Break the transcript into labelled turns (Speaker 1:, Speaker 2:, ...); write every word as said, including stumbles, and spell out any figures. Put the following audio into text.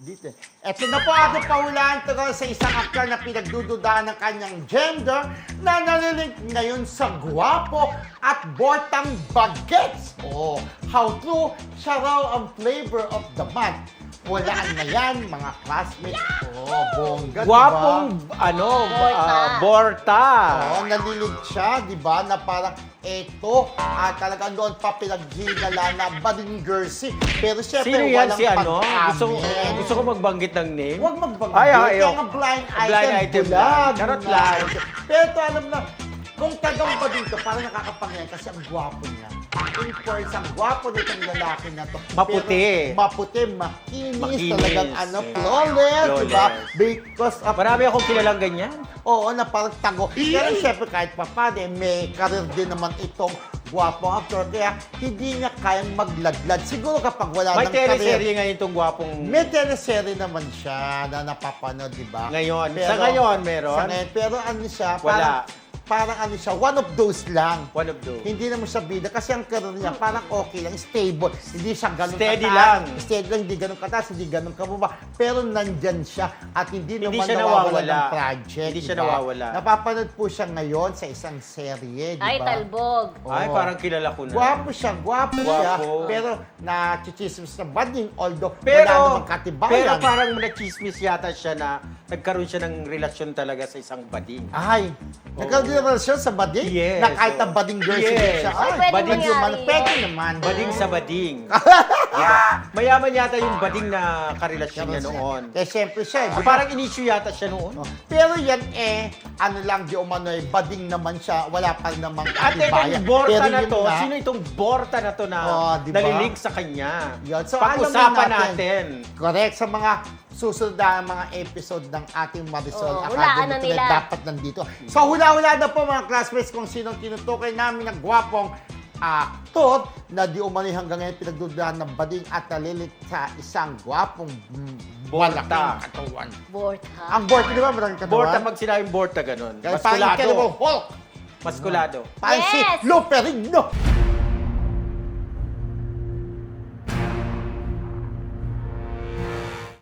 Speaker 1: dito. Ito na po ating pahulaan tungkol sa isang aktor na pinagdududaan ng kanyang gender na nalilink ngayon sa gwapo at bortang bagets. Oh, how true, siya raw ang flavor of the month. Walaan na yan, mga classmates. Oh, bongga,
Speaker 2: Gwapong,
Speaker 1: diba?
Speaker 2: ano,
Speaker 3: Borta.
Speaker 2: ah, Borta.
Speaker 1: Oo, nalilig siya, di ba? Na parang eto, ah, talagang doon pa pinaghinala na bading jersey. Pero syempre,
Speaker 2: Sino yan
Speaker 1: walang
Speaker 2: si ano?
Speaker 1: pag-amin.
Speaker 2: Gusto, gusto ko magbanggit ng name.
Speaker 1: Huwag magbanggit.
Speaker 2: Ay, ay,
Speaker 1: Kaya
Speaker 2: ayoko.
Speaker 1: nga blind item.
Speaker 2: Blind item
Speaker 1: bulag.
Speaker 2: lang. Charot lang.
Speaker 1: Pero ito, alam na, kung tagang ba dito, parang nakakapangyay kasi ang gwapo niya. In course, ang gwapo nitong lalaki na to.
Speaker 2: Maputi.
Speaker 1: Pero, maputi, makinis,
Speaker 2: Makinis.
Speaker 1: talagang ano, flawless, di ba?
Speaker 2: Flawless.
Speaker 1: Because of
Speaker 2: Marami akong kilalang ganyan.
Speaker 1: Oo, na parang tago. Pero syempre kahit pa paano, eh, may karir din naman itong gwapong actor. Kaya hindi niya kayang magladlad. Siguro kapag wala
Speaker 2: May
Speaker 1: ng karir.
Speaker 2: teleserye ngayon itong gwapong...
Speaker 1: May teleserye naman siya na napapanood, di ba?
Speaker 2: Ngayon. Sa ngayon, meron?
Speaker 1: Sa ngayon. Pero ano siya,
Speaker 2: Wala.
Speaker 1: parang, parang ano siya, one of those lang.
Speaker 2: One of those.
Speaker 1: Hindi naman siya bida kasi ang career niya parang okay lang, stable. Hindi siya ganun
Speaker 2: Steady
Speaker 1: kataas.
Speaker 2: lang.
Speaker 1: Steady lang, hindi ganun kataas, hindi ganun kababa. Pero nandyan siya at hindi,
Speaker 2: Hindi
Speaker 1: naman
Speaker 2: siya
Speaker 1: nawawala
Speaker 2: nawawala.
Speaker 1: ng project.
Speaker 2: Hindi siya
Speaker 1: diba?
Speaker 2: nawawala.
Speaker 1: Napapanood po siya ngayon sa isang serye, di ba?
Speaker 3: Ay, talbog.
Speaker 2: Ay,
Speaker 1: Oo.
Speaker 2: parang kilala ko na.
Speaker 1: Gwapo siya, gwapo, siya.
Speaker 2: Gwapo.
Speaker 1: Pero na-chichismis na bading, although
Speaker 2: Pero,
Speaker 1: wala namang katibayan.
Speaker 2: pero parang na-chismis yata siya na nagkaroon siya ng relasyon talaga sa isang bading.
Speaker 1: Ay, nagkaroon din naman siya sa bading?
Speaker 2: Yes,
Speaker 1: Na kahit
Speaker 2: oo.
Speaker 1: ang bading girl
Speaker 2: Yes.
Speaker 1: siya. Ay,
Speaker 3: Ay, pwede
Speaker 1: bading
Speaker 3: mangyari
Speaker 1: naman.
Speaker 3: yun.
Speaker 1: Pwede naman.
Speaker 2: Bading sa bading. Diba? Mayaman yata yung bading na karelasyon niya noon.
Speaker 1: Kaya siyempre siya, di ba?
Speaker 2: Parang inisyu yata siya noon.
Speaker 1: Pero yan eh, ano lang, di umano eh, bading naman siya, wala pa namang
Speaker 2: Ate,
Speaker 1: katibayan.
Speaker 2: itong Borta
Speaker 1: Pero
Speaker 2: na
Speaker 1: yun
Speaker 2: to,
Speaker 1: nga,
Speaker 2: sino itong Borta na to na
Speaker 1: Oh, diba?
Speaker 2: nalilink sa kanya?
Speaker 1: Yun. So,
Speaker 2: Pag-usapan
Speaker 1: alamin
Speaker 2: natin.
Speaker 1: Correct, sa mga susunod na mga episode ng ating Marisol
Speaker 3: Oo, hulaan
Speaker 1: Academy
Speaker 3: na
Speaker 1: Tonight,
Speaker 3: nila.
Speaker 1: dapat nandito. So, hula-hula na po mga classmates kung sinong tinutukoy namin na gwapong aktor na di umani hanggang ngayon pinagdudahan ng bading at nalilit sa isang gwapong mm,
Speaker 2: Borta.
Speaker 1: malaking katawan.
Speaker 3: Borta.
Speaker 1: Ang Borta, di ba? Maraming katawan?
Speaker 2: Borta, pag sinabing Borta, ganun.
Speaker 1: Kaya parang
Speaker 2: Maskulado.
Speaker 1: Incredible Hulk.
Speaker 2: Maskulado.
Speaker 1: Parang si
Speaker 3: Yes!
Speaker 1: Luperino.